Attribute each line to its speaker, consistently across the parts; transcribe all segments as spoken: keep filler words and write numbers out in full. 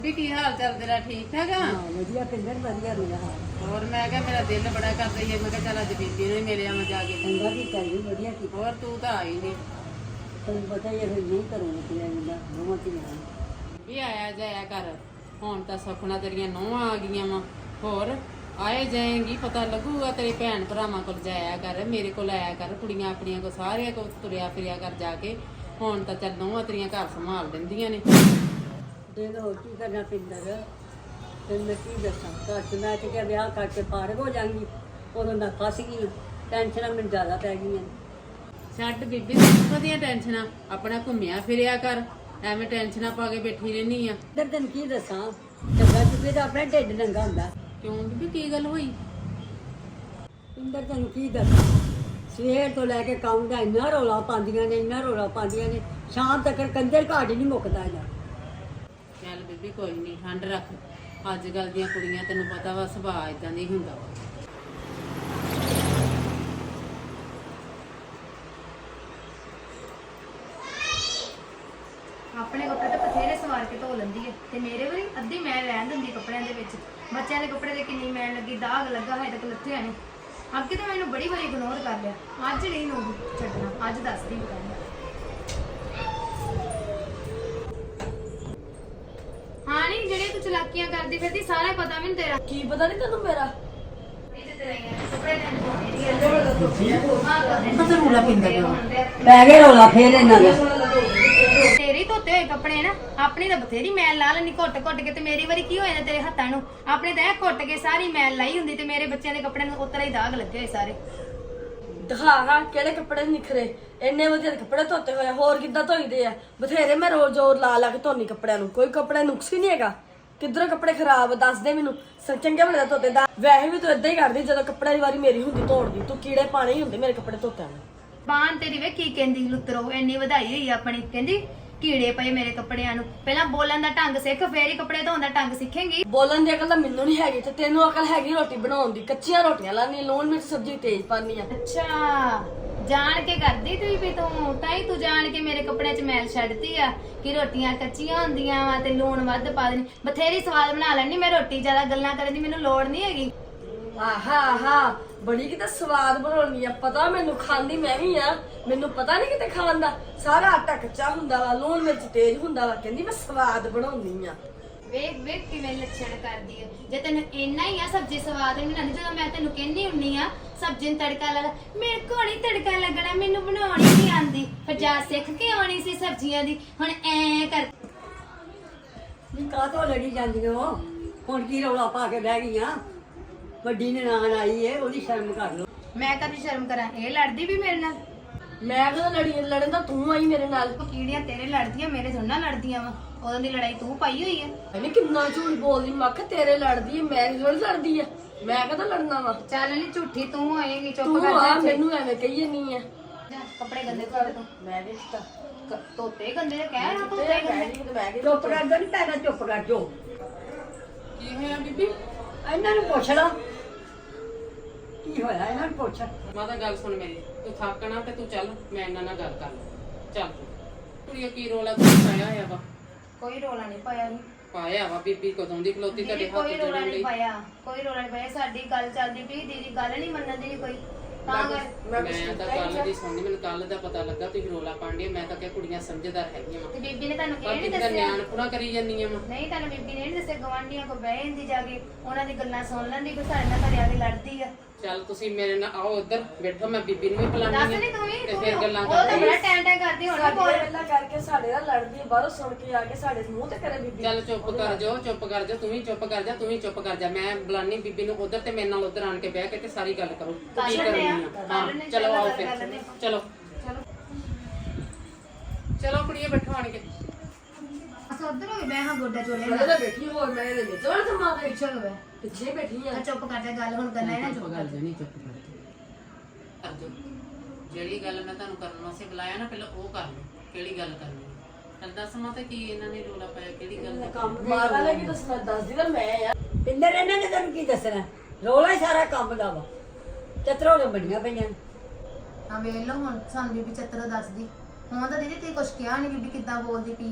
Speaker 1: ਵੀ ਕੀ ਹਾਲ ਚਾਲ ਤੇਰਾ? ਠੀਕ ਠਾਕ ਆ?
Speaker 2: ਹਾਂ ਵਧੀਆ ਪਿੰਦਰ ਵਧੀਆ ਮੇਰਾ ਹਾਲ।
Speaker 1: ਹੋਰ ਮੈਂ ਕਿਹਾ ਮੇਰਾ ਦਿਲ ਬੜਾ ਕਰਦਾ ਹੀ ਮੈਂ ਕਿਹਾ ਚੱਲ ਅੱਜ ਬੀਬੀ ਨੂੰ ਹੀ ਮਿਲ ਆਵਾਂ ਜਾ ਕੇ।
Speaker 2: ਚੰਗਾ ਕੀਤਾ ਜੀ ਵਧੀਆ ਕੀਤਾ।
Speaker 1: ਹੋਰ ਤੂੰ ਤਾਂ ਆਈ ਨਹੀਂ।
Speaker 2: ਤੈਨੂੰ ਪਤਾ ਹੀ ਹੈ ਫਿਰ ਨਹੀਂ ਕਰੂੰਗਾ ਕਿਵੇਂ ਮਿਲਦਾ ਦੋਵਾਂ ਧੀਆਂ
Speaker 1: ਵੀ ਆਇਆ ਜਾਇਆ ਕਰ। ਹੁਣ ਤਾਂ ਸੁਖਣਾ ਤੇਰੀਆਂ ਨਹੁੰਆਂ ਆ ਗਈਆਂ ਵਾ। ਹੋਰ ਆਏ ਜਾਏਗੀ ਪਤਾ ਲੱਗੂਗਾ। ਤੇਰੇ ਭੈਣ ਭਰਾਵਾਂ ਕੋਲ ਜਾਇਆ ਕਰ, ਮੇਰੇ ਕੋਲ ਆਇਆ ਕਰ, ਕੁੜੀਆਂ ਆਪਣੀਆਂ ਕੋਲ ਸਾਰਿਆਂ ਕੋਲ ਤੁਰਿਆ ਫਿਰਿਆ ਕਰ ਜਾ ਕੇ। ਹੁਣ ਤਾਂ ਚੱਲ ਨਹੁੰਆਂ ਤੇਰੀਆਂ ਘਰ ਸੰਭਾਲ ਦਿੰਦੀਆਂ ਨੇ।
Speaker 2: ਦਿਨ ਹੋਰ ਕੀ ਕਰਨਾ ਪਿੰਦਰ ਤੈਨੂੰ ਮੈਂ ਕੀ ਦੱਸਾਂ। ਘਰ 'ਚ ਮੈਂ ਤੇ ਕਿਹਾ ਵਿਆਹ ਕਰਕੇ ਪਾਰ ਹੋ ਜਾਵਾਂਗੀ, ਉਦੋਂ ਮੈਂ ਫਸ ਗਈ। ਟੈਨਸ਼ਨਾਂ ਮੈਨੂੰ ਜ਼ਿਆਦਾ ਪੈ ਗਈਆਂ।
Speaker 1: ਛੱਡ ਬੀਬੀ ਸੁੱਖ ਦੀਆਂ ਟੈਨਸ਼ਨਾਂ, ਆਪਣਾ ਘੁੰਮਿਆ ਫਿਰਿਆ ਕਰ। ਐਵੇਂ ਟੈਨਸ਼ਨਾਂ ਪਾ ਕੇ ਬੈਠੀ ਰਹਿਨੀ ਆ।
Speaker 2: ਪਿੰਦਰ ਤੈਨੂੰ ਕੀ ਦੱਸਾਂ, ਚੰਗਾ ਚੁੱਕੇ ਤਾਂ ਆਪਣਾ ਢਿੱਡ ਨੰਗਾ ਹੁੰਦਾ।
Speaker 1: ਕਿਉਂ ਬੀਬੀ ਕੀ ਗੱਲ ਹੋਈ?
Speaker 2: ਪਿੰਦਰ ਤੈਨੂੰ ਕੀ ਦੱਸਾਂ, ਸਵੇਰ ਤੋਂ ਲੈ ਕੇ ਕੰਮ ਦਾ ਇੰਨਾ ਰੌਲਾ ਪਾਉਂਦੀਆਂ ਨੇ, ਇੰਨਾ ਰੌਲਾ ਪਾਉਂਦੀਆਂ ਨੇ, ਸ਼ਾਮ ਤੱਕ ਕੰਜਰ ਘਾਟ ਹੀ ਨਹੀਂ ਮੁੱਕਦਾ ਜਾ।
Speaker 1: ਚੱਲ ਬੀਬੀ ਕੋਈ ਨਹੀਂ, ਠੰਡ ਰੱਖ। ਅੱਜ ਕੱਲ ਦੀਆਂ ਕੁੜੀਆਂ ਤੈਨੂੰ ਪਤਾ ਵਾ ਸੁਭਾਅ ਇਦਾਂ ਦਾ ਹੀ ਹੁੰਦਾ ਵਾ।
Speaker 3: ਆਪਣੇ ਕੱਪੜੇ ਤਾਂ ਬਥੇਰੇ ਸਵਾਰ ਕੇ ਧੋ ਲੈਂਦੀ ਹੈ ਤੇ ਮੇਰੇ ਵਾਰੀ ਅੱਧੀ ਮੈਲ ਰਹਿਣ ਦਿੰਦੀ ਕੱਪੜਿਆਂ ਦੇ ਵਿੱਚ। ਬੱਚਿਆਂ ਦੇ ਕੱਪੜੇ ਤੇ ਕਿੰਨੀ ਮੈਲ ਲੱਗੀ, ਦਾਗ ਲੱਗਾ ਹੈ ਤੱਕ ਲੱਥਿਆ ਨਹੀਂ। ਅੱਗੇ ਤਾਂ ਮੈਨੂੰ ਬੜੀ ਵਾਰੀ ਇਗਨੋਰ ਕਰ ਲਿਆ, ਅੱਜ ਨਹੀਂ ਨੂੰ ਛੱਡਣਾ। ਅੱਜ ਦੱਸਦੀ ਬਤਾਈ। ਹਾਂ ਨਹੀਂ ਜਿਹੜੇ ਤੂੰ ਚਲਾਕੀਆਂ ਕਰਦੀ ਫਿਰਦੀ ਸਾਰਾ ਪਤਾ ਮੈਨੂੰ ਤੇਰਾ।
Speaker 4: ਕੀ ਪਤਾ ਨਹੀਂ ਤੈਨੂੰ ਮੇਰਾ?
Speaker 1: ਪਤਾ ਰੂਲਾ ਪਿੰਦਾ
Speaker 2: ਪੈ ਗਏ ਰੌਲਾ ਫੇਰ ਇਹਨਾਂ ਦਾ।
Speaker 3: ਤੇਰੀ ਧੋਤੇ ਹੋਏ ਕੱਪੜੇ ਨਾ, ਆਪਣੀ ਤਾਂ ਬਥੇਰੀ ਮੈਲ ਲਾ ਲੈਣੀ ਘੁੱਟ ਘੁੱਟ ਕੇ। ਤੇ ਮੇਰੀ ਵਾਰੀ ਕੀ ਹੋ ਜਾਂਦਾ ਤੇਰੇ ਹੱਥਾਂ ਨੂੰ? ਆਪਣੇ ਤਾਂ ਇਹ ਘੁੱਟ ਕੇ ਸਾਰੀ ਮੈਲ ਲਾਈ ਹੁੰਦੀ ਤੇ ਮੇਰੇ ਬੱਚਿਆਂ ਦੇ ਕੱਪੜਿਆਂ ਨੂੰ ਉਤਰਾ ਹੀ ਦਾਗ ਲੱਗੇ ਹੋਏ ਸਾਰੇ।
Speaker 4: ਦਿਖਾ ਹਾਂ ਕਿਹੜੇ ਕੱਪੜੇ ਨਿਖਰੇ। ਇੰਨੇ ਵਧੀਆ ਕੱਪੜੇ ਧੋਤੇ ਹੋਏ, ਹੋਰ ਕਿੱਦਾਂ ਧੋਈਦੇ ਆ? ਬਥੇਰੇ ਮੈਂ ਰੋਜ਼ ਜ਼ੋਰ ਲਾ ਲਾ ਕੇ ਧੋਨੀ ਕੱਪੜਿਆਂ ਨੂੰ, ਕੋਈ ਕੱਪੜੇ ਨੁਕਸ ਹੀ ਨਹੀਂ ਹੈਗਾ। ਕਿੱਧਰੋਂ ਕੱਪੜੇ ਖਰਾਬ ਦੱਸ ਦੇ ਮੈਨੂੰ। ਚੰਗੇ ਭਲੇ ਦਾ ਧੋਤੇ ਦਾ। ਵੈਸੇ ਵੀ ਤੂੰ ਏਦਾਂ ਹੀ ਕਰਦੀ, ਜਦੋਂ ਕੱਪੜਿਆਂ ਦੀ ਵਾਰੀ ਮੇਰੀ ਹੁੰਦੀ ਧੋਣ ਤੂੰ ਕੀੜੇ ਪਾਣੇ ਹੀ ਹੁੰਦੇ ਮੇਰੇ ਕੱਪੜੇ ਧੋਤਿਆਂ ਨੂੰ।
Speaker 3: ਬਾਣ ਤੇਰੀ ਵੇ ਕੀ ਕਹਿੰਦੀ ਲੁੱਤਰੋ, ਇੰਨੀ ਵਧਾਈ ਹੋਈ ਆਪਣੀ। ਕਹਿੰਦੀ ਕੀੜੇ ਪਏ ਮੇਰੇ ਕੱਪੜਿਆਂ ਨੂੰ। ਪਹਿਲਾਂ ਬੋਲਣ ਦਾ ਢੰਗ ਸਿੱਖ, ਫੇਰ ਹੀ ਕੱਪੜੇ ਧੋਣ ਦਾ ਢੰਗ ਸਿੱਖੇਂਗੀ।
Speaker 4: ਬੋਲਣ ਦੀ ਅਕਲ ਤਾਂ ਮੈਨੂੰ ਨਹੀਂ ਹੈਗੀ, ਤੇ ਤੈਨੂੰ ਅਕਲ ਹੈਗੀ ਰੋਟੀ ਬਣਾਉਣ ਦੀ। ਕੱਚੀਆਂ ਰੋਟੀਆਂ ਲਾਣੀ, ਲੂਣ ਮਿਰਚ ਸਬਜ਼ੀ ਤੇਜ਼ ਪਾਣੀ ਆ।
Speaker 3: ਅੱਛਾ ਜਾਣ ਕੇ ਕਰਦੀ ਤੂੰ ਵੀ, ਤੂੰ ਤਾਂ ਹੀ ਤੂੰ ਜਾਣ ਕੇ ਮੇਰੇ ਕੱਪੜਿਆਂ 'ਚ ਮੈਲ ਛੱਡਤੀ ਆ ਕਿ ਰੋਟੀਆਂ ਕੱਚੀਆਂ ਹੁੰਦੀਆਂ ਵਾ ਤੇ ਲੂਣ ਵੱਧ ਪਾ ਦੇਣੀ। ਬਥੇਰੀ ਸਵਾਦ ਬਣਾ ਲੈਣੀ ਮੈਂ ਰੋਟੀ, ਜ਼ਿਆਦਾ ਗੱਲਾਂ ਕਰਨ ਦੀ ਮੈਨੂੰ ਲੋੜ ਨਹੀਂ ਹੈਗੀ।
Speaker 4: ਆਹਾ ਆਹਾ ਬੜੀ ਕਿਤੇ ਸਵਾਦ ਬਣਾਉਣੀ ਆ, ਪਤਾ ਮੈਨੂੰ, ਖਾਂਦੀ ਮੈਂ ਵੀ ਆ। ਮੈਨੂੰ ਪਤਾ ਨਹੀਂ ਕਿਤੇ ਖਾਣ ਦਾ। ਸਾਰਾ ਆਟਾ ਕੱਚਾ ਹੁੰਦਾ ਵਾ, ਲੂਣ ਮਿਰਚ ਤੇਜ਼ ਹੁੰਦਾ ਵਾ। ਕਹਿੰਦੀ ਮੈਂ ਸਵਾਦ ਬਣਾਉਣੀ ਆ।
Speaker 3: ਵੇਖ ਵੇਖ ਕਿਵੇਂ ਲੱਛਣ ਕਰਦੀ ਹੈ। ਜੇ ਤੈਨੂੰ ਇੰਨਾ ਹੀ ਆ ਸਬਜ਼ੀ ਸਵਾਦ ਨਹੀਂ ਬਣਾਉਂਦੀ, ਜਦੋਂ ਮੈਂ ਤੈਨੂੰ ਕਹਿੰਦੀ ਹੁੰਨੀ ਆ ਸਬਜ਼ੀ ਨੂੰ ਤੜਕਾ ਲਾ, ਮੇਰੇ ਕੋਲ ਨਹੀਂ ਤੜਕਾ ਲੱਗਣਾ, ਮੈਨੂੰ ਬਣਾਉਣੀ ਨਹੀਂ ਆਂਦੀ। ਫਿਰ ਜਾ ਸਿੱਖ ਕੇ ਆਉਣੀ ਸੀ ਸਬਜ਼ੀਆਂ ਦੀ। ਹੁਣ ਐ ਕਰ
Speaker 2: ਨੀ ਕਾਹਤੋਂ ਲੜੀ ਜਾਂਦੀਆਂ ਹੋ? ਹੁਣ ਕੀ ਰੌਲਾ ਪਾ ਕੇ ਬਹਿ ਗਈਆਂ? ਵੱਡੀ ਨਨਾਣ ਆਈ ਏ, ਉਹਦੀ ਸ਼ਰਮ ਕਰ ਲਓ।
Speaker 3: ਮੈਂ ਕਦੀ ਸ਼ਰਮ ਕਰਾਂ? ਇਹ ਲੜਦੀ ਵੀ ਮੇਰੇ ਨਾਲ।
Speaker 4: ਮੈਂ ਕਦੋਂ ਲੜੀ? ਲੜਨ ਤਾਂ ਤੂੰ ਆਈ ਮੇਰੇ ਨਾਲ।
Speaker 3: ਕੀੜੀਆਂ ਤੇਰੇ ਲੜਦੀਆਂ, ਮੇਰੇ ਥੋੜਾ ਲੜਦੀਆਂ ਵਾ। ਉਦੋਂ ਦੀ ਲੜਾਈ ਤੂੰ ਪਾਈ ਹੋਈ ਹੈ।
Speaker 4: ਇਹਨੇ ਕਿੰਨਾ ਝੂਠ ਬੋਲਦੀ। ਮੈਂ ਕਿਹਾ ਤੇਰੇ ਲੜਦੀ ਹੈ, ਮੈਂ ਥੋੜੀ ਲੜਦੀ ਆ। ਮੈਂ ਕਦੋਂ ਲੜਨਾ ਵਾ?
Speaker 3: ਚੱਲ ਨਹੀਂ ਝੂਠੀ ਤੂੰ ਹੋਏਗੀ। ਚੁੱਪ
Speaker 4: ਤੂੰ
Speaker 3: ਕਰ
Speaker 4: ਆ
Speaker 3: ਜਾ।
Speaker 4: ਮੈਨੂੰ ਐਵੇਂ ਕਹੀ ਨਹੀਂ ਆ।
Speaker 3: ਜਾ, ਕੱਪੜੇ ਗੰਦੇ ਕਰ ਤੂੰ।
Speaker 4: ਮੈਂ ਦੇਖਤਾ
Speaker 3: ਕ- ਧੋਤੇ ਗੰਦੇ ਨੇ ਕਹਿ ਨਾ ਧੋਤੇ ਗੰਦੇ।
Speaker 2: ਚੁੱਪ ਕਰ ਜਾ, ਨਹੀਂ ਪੈਣਾ ਚੁੱਪ ਕਰ ਜੋ।
Speaker 1: ਕੀ ਹੋਇਆ ਬੀਬੀ?
Speaker 2: ਇਹਨਾਂ ਨੂੰ ਪੁੱਛ ਲਾ ਕੀ ਹੋਇਆ, ਇਹਨਾਂ ਨੂੰ ਪੁੱਛ।
Speaker 1: ਮਾਤਾ ਗੱਲ ਸੁਣ ਮੇਰੀ, ਤੂੰ ਥੱਕਣਾ ਤੇ ਤੂੰ ਚੱਲ, ਮੈਂ ਇਹਨਾਂ ਨਾਲ ਗੱਲ ਕਰ ਲਾਂ। ਚੱਲ ਤੂੰ ਕੁੜੀਆਂ ਕੀ ਰੋਲਾ ਤੂੰ ਪਾਇਆ ਹੋਇਆ ਵਾ?
Speaker 3: ਕੋਈ ਰੋਲਾ ਨਹੀਂ ਪਾਇਆ ਸੀ।
Speaker 1: ਪਾਇਆ ਵਾ ਬੀਬੀ ਕਦੋਂ ਦੀ ਖਲੋਤੀ ਤੁਹਾਡੇ ਹੱਥ
Speaker 3: ਕੋਈ ਰੋਲਾ
Speaker 1: ਜੋੜਨ
Speaker 3: ਨਹੀਂ
Speaker 1: ਲਈ।
Speaker 3: ਪਾਇਆ, ਕੋਈ ਰੋਲਾ ਨਹੀਂ ਪਾਇਆ। ਸਾਡੀ ਗੱਲ ਚੱਲਦੀ ਪਈ, ਦੀਦੀ ਗੱਲ ਨਹੀਂ ਮੰਨਣ ਦੀ ਕੋਈ। ਤਾਂ ਕਰ
Speaker 4: ਮੈਂ
Speaker 1: ਮੈਂ ਤਾਂ ਕੱਲ ਦੀ ਸੁਣਦੀ, ਮੈਨੂੰ ਕੱਲ ਦਾ ਪਤਾ ਲੱਗਾ ਤੁਸੀਂ ਰੋਲਾ ਪਾਉਂਦੇ। ਮੈਂ ਤਾਂ ਕਿਹਾ ਕੁੜੀਆਂ ਸਮਝਦਾਰ ਹੈਗੀਆਂ ਵਾ,
Speaker 3: ਤੇ ਬੀਬੀ ਨੇ ਤੁਹਾਨੂੰ
Speaker 1: ਪਰ
Speaker 3: ਇਹ ਨਹੀਂ
Speaker 1: ਕਿਤੇ
Speaker 3: ਦੱਸਿਆ?
Speaker 1: ਨਿਆਣ ਪੂਰਾ ਕਰੀ ਜਾਂਦੀਆਂ ਵਾ।
Speaker 3: ਨਹੀਂ ਤੁਹਾਨੂੰ ਬੀਬੀ ਨੇ ਨਹੀਂ ਦੱਸਿਆ? ਗਵਾਂਢੀਆਂ ਕੋ ਬਹਿ ਜਾਂਦੀ ਜਾ ਕੇ, ਉਹਨਾਂ ਦੀ ਗੱਲਾਂ ਸੁਣ ਲੈਂਦੀ, ਕੋਈ ਸਾਡੇ ਨਾਲ ਘਰੇ ਆ ਕੇ ਲੜਦੀ ਆ।
Speaker 1: ਚੱਲ ਤੁਸੀਂ ਮੇਰੇ ਨਾਲ ਆਓ ਇੱਧਰ ਬੈਠੋ, ਮੈਂ ਬੀਬੀ ਨੂੰ ਵੀ
Speaker 3: ਦੱਸ
Speaker 1: ਬੁਲਾਣੀ
Speaker 3: ਨਹੀਂ ਤੂੰ ਵੀ,
Speaker 1: ਤੇ
Speaker 3: ਤੂੰ
Speaker 1: ਫਿਰ ਗੱਲਾਂ
Speaker 3: ਉਹ ਤਾਂ
Speaker 1: ਕਰਦੇ।
Speaker 3: ਬੜਾ ਟੈਂ ਟੈਂ ਕਰਦੀ ਹੁਣ
Speaker 4: ਸਾਡੇ
Speaker 3: ਬੋਲ।
Speaker 4: ਗੱਲਾਂ ਕਰਕੇ ਸਾਡੇ ਨਾਲ ਲੜਦੀ ਹੈ, ਬਾਹਰੋਂ ਸੁਣ ਕੇ ਆ ਕੇ ਸਾਡੇ ਮੂੰਹ ਤੇ ਕਰੇ ਬੀਬੀ।
Speaker 1: ਚੱਲ ਚੁੱਪ ਕਰ ਜਾਓ, ਚੁੱਪ ਕਰ ਜਾ, ਤੂੰ ਵੀ ਚੁੱਪ ਕਰ ਜਾ, ਤੂੰ ਵੀ ਚੁੱਪ ਕਰ ਜਾ। ਮੈਂ ਬੁਲਾਨੀ ਬੀਬੀ ਨੂੰ ਉਧਰ ਤੇ ਮੇਰੇ ਨਾਲ ਉਧਰ ਆਣ ਕੇ ਬਹਿ ਕੇ ਤੇ ਸਾਰੀ ਗੱਲ ਕਰੋ
Speaker 3: ਕਰ
Speaker 1: ਕੀ
Speaker 3: ਲੈਂਦੇ
Speaker 1: ਕਰਨੀ
Speaker 3: ਆ,
Speaker 1: ਆ।
Speaker 3: ਕਰ
Speaker 1: ਹਾਂ
Speaker 3: ਲੈਂਦੇ,
Speaker 1: ਚਲੋ
Speaker 3: ਚਲੋ
Speaker 1: ਆਓ
Speaker 3: ਕਰ
Speaker 1: ਫਿਰ,
Speaker 3: ਲੈਂਦੇ।
Speaker 1: ਚਲੋ
Speaker 3: ਚਲੋ
Speaker 1: ਚਲੋ ਕੁੜੀਏ ਬੈਠੋ ਆਣ ਕੇ।
Speaker 3: ਅਸਾਂ ਉਧਰ ਹੋ ਗਏ, ਮੈਂ ਹਾਂ ਗੋਡਾ ਚੋਲੇ
Speaker 4: ਮੈਂ ਤਾਂ ਬੈਠੀ ਹੋਰ ਮੈਂ ਇਹਦੇ ਵਿੱਚ ਹੋਰ ਸਮਾਂ ਦੇ
Speaker 3: ਪਿੱਛੇ ਹੋ ਗਏ।
Speaker 4: ਪਿੱਛੇ ਬੈਠੀ ਆ।
Speaker 3: ਆ ਚੁੱਪ ਕਰ ਜਾ, ਗੱਲ ਹੁਣ ਕਰਨਾ ਹੈ ਨਾ, ਚੁੱਪ ਕਰ ਜਾ।
Speaker 1: ਨਹੀਂ ਚੁੱਪ ਕਰ ਕਰ ਜਾਓ। ਜਿਹੜੀ ਗੱਲ ਮੈਂ ਤੁਹਾਨੂੰ ਕਰਨ ਵਾਸਤੇ ਬੁਲਾਇਆ ਨਾ, ਪਹਿਲਾਂ ਉਹ ਕਰ ਲਓ। ਕਿਹੜੀ ਗੱਲ ਕਰਨੀ ਹੈ? ਚੱਲ ਦੱਸ ਮਾਤਾ ਕੀ ਇਹਨਾਂ ਨੇ ਰੋਲਾ ਪਾਇਆ, ਕਿਹੜੀ ਗੱਲ ਦਾ?
Speaker 4: ਕੰਮ ਮਾਰਾ ਲੈ ਕੇ ਦੱਸਣਾ ਦੱਸਦੀ ਤਾਂ ਮੈਂ ਆ।
Speaker 2: ਪਿੰਦਰ ਇਹਨਾਂ ਨੇ ਤੈਨੂੰ ਕੀ ਦੱਸਣਾ? ਰੌਲਾ ਹੀ ਸਾਰਾ ਕੰਮ ਦਾ ਵਾ। ਚਤਰੋਂ ਦੇ ਬਣੀਆਂ ਪਈਆਂ ਨੇ।
Speaker 3: ਹਾਂ ਵੇਖ ਲਓ ਹੁਣ ਸਾਨੂੰ ਬੀਬੀ ਚੱਤਰ ਦੱਸਦੀ। ਹੁਣ ਤਾਂ ਦੀਦੀ ਤੁਸੀਂ ਕੁਛ ਕਿਹਾ ਨਹੀਂ, ਬੀਬੀ ਕਿੱਦਾਂ ਬੋਲਦੀ ਪਈ ਹੈ।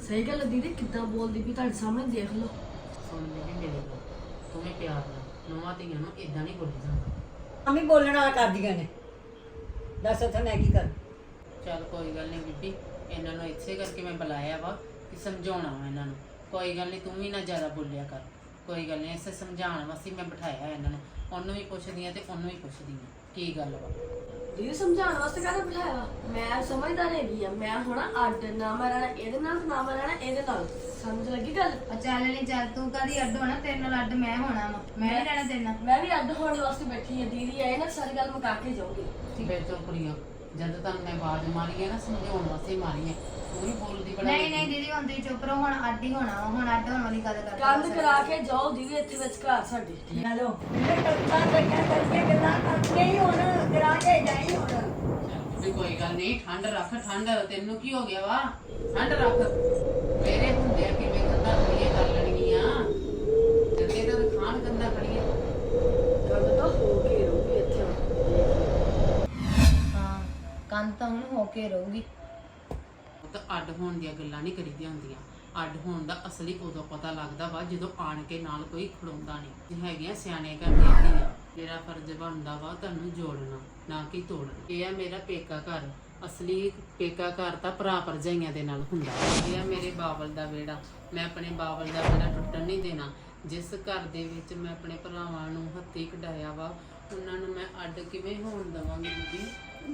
Speaker 4: ਸਹੀ ਗੱਲ ਹੈ ਦੀਦੀ, ਕਿੱਦਾਂ ਬੋਲਦੀ ਵੀ ਤੁਹਾਡੇ ਸਾਹਮਣੇ ਦੇਖ ਲਓ।
Speaker 1: ਸੁਣ ਬੀਬੀ ਮੇਰੀ ਗੱਲ, ਤੂੰ ਵੀ ਪਿਆਰ ਨਾਲ ਨੌਵਾਂ ਧੀਆਂ ਨੂੰ ਇਦਾਂ ਨਹੀਂ ਬੋਲੀ ਜਾਂਦਾ।
Speaker 2: ਮੰਮੀ ਬੋਲਣ ਵਾਲਾ ਕਰਦੀਆਂ ਨੇ, ਦੱਸ ਉੱਥੇ ਮੈਂ ਕੀ ਕਰ।
Speaker 1: ਚੱਲ ਕੋਈ ਗੱਲ ਨਹੀਂ ਬੀਬੀ, ਇਹਨਾਂ ਨੂੰ ਇਸੇ ਕਰਕੇ ਮੈਂ ਬੁਲਾਇਆ ਵਾ ਕਿ ਸਮਝਾਉਣਾ ਵਾ ਇਹਨਾਂ ਨੂੰ। ਕੋਈ ਗੱਲ ਨਹੀਂ, ਤੂੰ ਵੀ ਨਾ ਜ਼ਿਆਦਾ ਬੋਲਿਆ ਕਰ। ਕੋਈ ਗੱਲ ਨਹੀਂ, ਇਸੇ ਸਮਝਾਉਣ ਵਾਸਤੇ ਮੈਂ ਬਿਠਾਇਆ ਇਹਨਾਂ ਨੂੰ। ਉਹਨੂੰ ਵੀ ਪੁੱਛਦੀ ਆ ਤੇ ਉਹਨੂੰ ਵੀ ਪੁੱਛਦੀ ਆ ਕੀ ਗੱਲ ਵਾ।
Speaker 4: ਦੀਦੀ ਸਮਝਾਉਣ ਵਾਸਤੇ ਕਾਹਦਾ ਬਿਠਾਇਆ ਵਾ? ਮੈਂ ਸਮਝਦਾਰ ਹੈਗੀ ਆ, ਮੈਂ ਹੁਣ ਅੱਡ ਨਾ ਮੈਂ ਰਹਿਣਾ ਇਹਦੇ ਨਾਲ ਤੇ ਨਾ ਮੈਂ ਰਹਿਣਾ ਇਹਦੇ ਨਾਲ। ਸਮਝ ਲੱਗੀ ਗੱਲ?
Speaker 3: ਆ ਚੱਲ ਨਹੀਂ ਚੱਲ, ਤੂੰ ਕਦੀ ਅੱਡ ਹੋਣਾ, ਤੇਰੇ ਨਾਲ ਅੱਡ ਮੈਂ ਹੋਣਾ ਵਾ। ਮੈਂ ਨਹੀਂ ਰਹਿਣਾ ਤੇਰੇ ਨਾਲ।
Speaker 4: ਮੈਂ ਵੀ ਅੱਡ ਹੋਣ ਵਾਸਤੇ ਬੈਠੀ ਆ। ਦੀਦੀ ਆਏ ਨਾ ਸਾਰੀ ਗੱਲ ਮੁਕਾ ਕੇ ਜਾਊਗੀ।
Speaker 1: ਫਿਰ ਤੋਂ ਕੁੜੀਆਂ, ਜਦ ਤੱਕ ਮੈਂ ਆਵਾਜ਼ ਮਾਰੀ ਹੈ ਨਾ ਸਮਝਾਉਣ ਵਾਸਤੇ ਮਾਰੀ ਹੈ, ਤੂੰ ਵੀ ਬੋਲਦੀ ਬੜਾ।
Speaker 3: ਨਹੀਂ ਨਹੀਂ ਦੀਦੀ, ਹੁਣ ਤੁਸੀਂ ਚੁੱਪ ਰਹੋ, ਹੁਣ ਅੱਡ ਹੀ ਹੋਣਾ ਵਾ। ਹੁਣ ਅੱਡ ਹੋਣ ਵਾਲੀ ਗੱਲ ਕਰ।
Speaker 4: ਕੰਧ ਕਰਾ ਕੇ ਜਾਓ ਦੀਦੀ ਇੱਥੇ ਵਿੱਚ ਘਰ ਸਾਡੇ।
Speaker 2: ਹੈਲੋ ਇਹ ਟੱਕਾ ਟੱਕਾ ਕਰਕੇ ਗੱਲਾਂ ਕਰਕੇ ਹੀ ਹੁਣ ਕਰਾ ਕੇ ਜਾਈ ਹੁਣ।
Speaker 1: ਵੀ ਕੋਈ ਗੱਲ ਨਹੀਂ, ਠੰਡ ਰੱਖ। ਠੰਡ ਤੈਨੂੰ ਕੀ ਹੋ ਗਿਆ ਵਾ? ਠੰਡ ਰੱਖ। ਮੇਰੇ ਹੁੰਦੇ ਆ ਕਿਵੇਂ ਕੰਧਾਂ ਖੜੀਆਂ ਕਰ ਲੈਣਗੀਆਂ, ਜੱਦੇ ਤਾਂ ਖਾਣ ਕੰਧਾਂ ਖੜੀਆਂ।
Speaker 4: ਕੰਧ ਤਾਂ ਹੋ ਕੇ ਰਹੂਗੀ ਇੱਥੇ ਹੁਣ।
Speaker 3: ਹਾਂ, ਕੰਨ ਤਾਂ ਹੁਣ ਹੋ ਕੇ ਰਹੂਗੀ।
Speaker 1: ਤਾਂ ਅੱਡ ਹੋਣ ਦੀਆਂ ਗੱਲਾਂ ਨਹੀਂ ਕਰੀਦੀਆਂ ਹੁੰਦੀਆਂ। ਅੱਡ ਹੋਣ ਦਾ ਅਸਲੀ ਉਦੋਂ ਪਤਾ ਲੱਗਦਾ ਵਾ ਜਦੋਂ ਆਣ ਕੇ ਨਾਲ ਕੋਈ ਖੜੋਂਦਾ ਨਹੀਂ। ਹੈਗੀਆਂ ਸਿਆਣੇ ਘਰ ਦੀਆਂ ਧੀਆਂ। ਮੇਰਾ ਫਰਜ਼ ਬਣਦਾ ਵਾ ਤੁਹਾਨੂੰ ਜੋੜਨਾ, ਨਾ ਕਿ ਤੋੜਨਾ। ਇਹ ਆ ਮੇਰਾ ਪੇਕਾ ਘਰ। ਅਸਲੀ ਪੇਕਾ ਘਰ ਤਾਂ ਭਰਾ ਭਰਜਾਈਆਂ ਦੇ ਨਾਲ ਹੁੰਦਾ। ਇਹ ਆ ਮੇਰੇ ਬਾਬਲ ਦਾ ਵਿਹੜਾ। ਮੈਂ ਆਪਣੇ ਬਾਬਲ ਦਾ ਵਿਹੜਾ ਟੁੱਟਣ ਨਹੀਂ ਦੇਣਾ। ਜਿਸ ਘਰ ਦੇ ਵਿੱਚ ਮੈਂ ਆਪਣੇ ਭਰਾਵਾਂ ਨੂੰ ਹੱਥੀਂ ਕਢਾਇਆ ਵਾ, ਉਹਨਾਂ ਨੂੰ ਮੈਂ ਅੱਡ ਕਿਵੇਂ ਹੋਣ ਦੇਵਾਂਗੀ ਬੀਬੀ?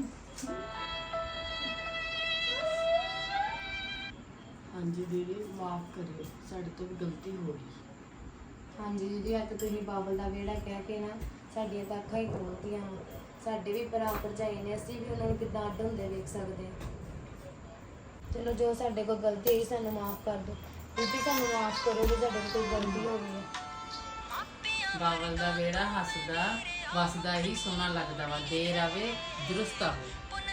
Speaker 4: ਹਾਂਜੀ ਦੀਦੀ ਮਾਫ ਕਰਿਓ, ਸਾਡੇ ਤੋਂ ਵੀ ਗਲਤੀ ਹੋ ਗਈ।
Speaker 3: ਹਾਂਜੀ ਦੀਦੀ, ਅੱਜ ਤੁਸੀਂ ਬਾਬਲ ਦਾ ਵਿਹੜਾ ਕਹਿ ਕੇ ਨਾ ਸਾਡੀਆਂ ਤਾਂ ਅੱਖਾਂ ਹੀ ਖੋਲ੍ਹਤੀਆਂ ਵਾ। ਸਾਡੇ ਵੀ ਭਰਾ ਭਰਜਾਈ ਨੇ, ਅਸੀਂ ਵੀ ਉਹਨਾਂ ਨੂੰ ਕਿੱਦਾਂ ਅੱਡ ਹੁੰਦੇ ਵੇਖ ਸਕਦੇ ਹਾਂ। ਚਲੋ ਜੋ ਸਾਡੇ ਕੋਲ ਗਲਤੀ ਹੋਈ ਸਾਨੂੰ ਮਾਫ ਕਰ ਦਿਓ। ਦੀਦੀ ਸਾਨੂੰ ਮਾਫ ਕਰੋ ਜੇ ਸਾਡੇ ਕੋਲ ਕੋਈ ਗਲਤੀ ਹੋ ਗਈ ਹੈ।
Speaker 1: ਬਾਬਲ ਦਾ ਵਿਹੜਾ ਹੱਸਦਾ ਵਸਦਾ ਹੀ ਸੋਹਣਾ ਲੱਗਦਾ ਵਾ। ਦੇਰ ਆਵੇ ਦਰੁਸਤ ਆਵੇ।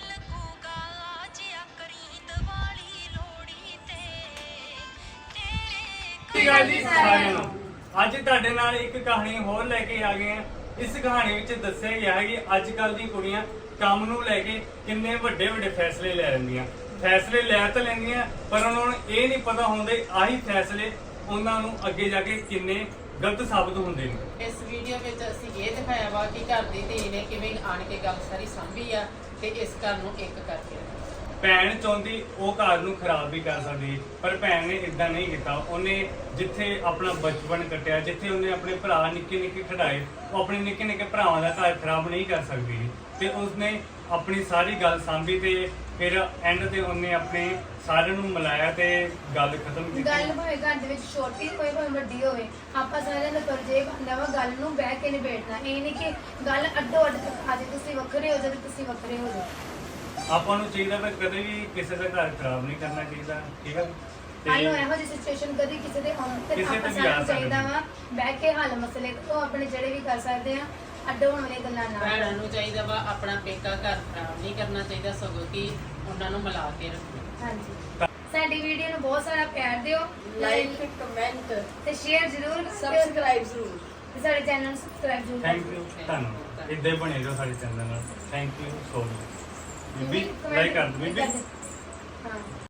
Speaker 5: ਸਤਿ ਸ਼੍ਰੀ ਅਕਾਲ ਜੀ ਸਾਰਿਆਂ ਨੂੰ। ਅੱਜ ਤੁਹਾਡੇ ਨਾਲ ਇੱਕ ਕਹਾਣੀ ਹੋਰ ਲੈ ਕੇ ਆ ਗਏ ਹਾਂ। ਇਸ ਕਹਾਣੀ ਵਿੱਚ ਦੱਸਿਆ ਗਿਆ ਹੈ ਕਿ ਅੱਜ ਕੱਲ੍ਹ ਦੀ ਕੁੜੀਆਂ ਕੰਮ ਨੂੰ ਲੈ ਕੇ ਕਿੰਨੇ ਵੱਡੇ ਵੱਡੇ ਫੈਸਲੇ ਲੈ ਲੈਂਦੀਆਂ। ਫੈਸਲੇ ਲੈ ਤਾਂ ਲੈਂਦੀਆਂ, ਪਰ ਉਹਨਾਂ ਨੂੰ ਇਹ ਨਹੀਂ ਪਤਾ ਹੁੰਦੇ ਆਹੀ ਫੈਸਲੇ ਉਹਨਾਂ ਨੂੰ ਅੱਗੇ ਜਾ ਕੇ ਕਿੰਨੇ ਗਲਤ ਸਾਬਤ ਹੁੰਦੇ ਨੇ।
Speaker 1: ਇਸ ਵੀਡੀਓ ਵਿੱਚ ਅਸੀਂ ਇਹ ਦਿਖਾਇਆ ਵਾ ਕਿ ਘਰ ਦੀ ਧੀ ਨੇ ਕਿਵੇਂ ਆਣ ਕੇ ਗੱਲ ਸਾਰੀ ਸਾਂਭੀ ਆ ਤੇ ਇਸ ਘਰ ਨੂੰ ਇੱਕ ਕਰਕੇ ਰੱਖਿਆ।
Speaker 5: ਭੈਣ ਚਾਹੁੰਦੀ ਉਹ ਘਰ ਨੂੰ ਖਰਾਬ ਵੀ ਕਰ ਸਕਦੀ, ਪਰ ਭੈਣ ਨੇ ਇਦਾਂ ਨਹੀਂ ਕੀਤਾ। ਉਹਨੇ ਜਿੱਥੇ ਆਪਣਾ ਬਚਪਨ ਕੱਟਿਆ, ਜਿੱਥੇ ਉਹਨੇ ਆਪਣੇ ਭਰਾ ਨਿੱਕੇ ਨਿੱਕੇ ਖਿਡਾਏ, ਉਹ ਆਪਣੇ ਨਿੱਕੇ ਨਿੱਕੇ ਭਰਾਵਾਂ ਦਾ ਘਰ ਖਰਾਬ ਨਹੀਂ ਕਰ ਸਕਦੀ। ਤੇ ਉਸਨੇ ਆਪਣੀ ਸਾਰੀ ਗੱਲ ਸਾਂਭੀ ਤੇ ਫਿਰ ਐਂਡ ਤੇ ਉਹਨੇ ਆਪਣੇ ਸਾਰਿਆਂ ਨੂੰ ਮਿਲਾਇਆ ਤੇ ਗੱਲ ਖਤਮ ਕੀਤੀ।
Speaker 3: ਗੱਲ ਭਾਵੇਂ ਘਰ ਦੇ ਵਿੱਚ ਛੋਟੀ ਹੋਵੇ ਭਾਵੇਂ ਵੱਡੀ ਹੋਵੇ, ਆਪਾਂ ਸਾਰਿਆਂ ਦਾ ਫਰਜ਼ ਇਹ ਬਣਦਾ ਵਾ ਗੱਲ ਨੂੰ ਬਹਿ ਕੇ ਨਿਬੇੜਨਾ। ਇਹ ਨਹੀਂ ਕਿ ਗੱਲ ਅੱਡੋ ਅੱਡ ਅੱਜ ਤੁਸੀਂ ਵੱਖਰੇ ਹੋ ਜਾਓ ਤੁਸੀਂ ਵੱਖਰੇ ਹੋ ਜਾਓ।
Speaker 5: ਆਪਾਂ ਨੂੰ ਚਾਹੀਦਾ ਵੀ ਕਦੇ ਵੀ ਕਿਸੇ ਦਾ ਘਰ ਖਰਾਬ ਨਹੀਂ ਕਰਨਾ ਚਾਹੀਦਾ, ਠੀਕ ਹੈ।
Speaker 3: ਸਾਨੂੰ ਇਹੋ ਜਿਹੀ ਸਿਚੁਏਸ਼ਨ ਕਦੀ ਕਿਸੇ ਦੇ ਆਉਣ ਤੇ
Speaker 5: ਕਿਸੇ ਤੇ
Speaker 3: ਆਪਾਂ
Speaker 5: ਵੀ ਆ
Speaker 3: ਸਾਨੂੰ ਚਾਹੀਦਾ
Speaker 5: ਸਕਦੀ।
Speaker 3: ਵਾ ਬਹਿ ਕੇ ਹੱਲ ਮਸਲੇ ਤੋਂ ਆਪਣੇ ਜਿਹੜੇ ਵੀ ਕਰ ਸਕਦੇ ਆ, ਅੱਡ ਹੋਣ ਵਾਲੀਆਂ ਗੱਲਾਂ ਨਾ
Speaker 1: ਭੈਣਾਂ ਨੂੰ ਚਾਹੀਦਾ ਵਾ ਆਪਣਾ ਪੇਕਾ ਘਰ ਖਰਾਬ ਨਹੀਂ ਕਰਨਾ ਚਾਹੀਦਾ, ਸਗੋਂ ਕਿ ਉਹਨਾਂ ਨੂੰ ਮਿਲਾ ਕੇ ਰੱਖੋ।
Speaker 3: ਹਾਂਜੀ, ਸਾਡੀ ਵੀਡੀਓ ਨੂੰ ਬਹੁਤ ਸਾਰਾ ਪਿਆਰ ਦਿਓ,
Speaker 4: ਲਾਈਕ ਕਮੈਂਟ
Speaker 3: ਤੇ ਸ਼ੇਅਰ ਜ਼ਰੂਰ ਕਰਿਓ
Speaker 4: ਸਬਸਕ੍ਰਾਈਬ ਜ਼ਰੂਰ।
Speaker 3: ਤੇ ਸਾਡੇ ਚੈਨਲ ਨੂੰ ਸਬਸਕ੍ਰਾਈਬ ਜ਼ਰੂਰ
Speaker 5: ਥੈਂਕ ਯੂ ਧੰਨਵਾਦ। ਇੱਦਾਂ ਹੀ ਬਣੇ ਰਹੋ ਸਾਡੇ ਚੈਨਲ ਨਾਲ। Thank you so much. ਬੀਬੀ ਲਾਈਕ ਕਰ ਦਿਓ ਬੀਬੀ।
Speaker 3: ਹਾਂ।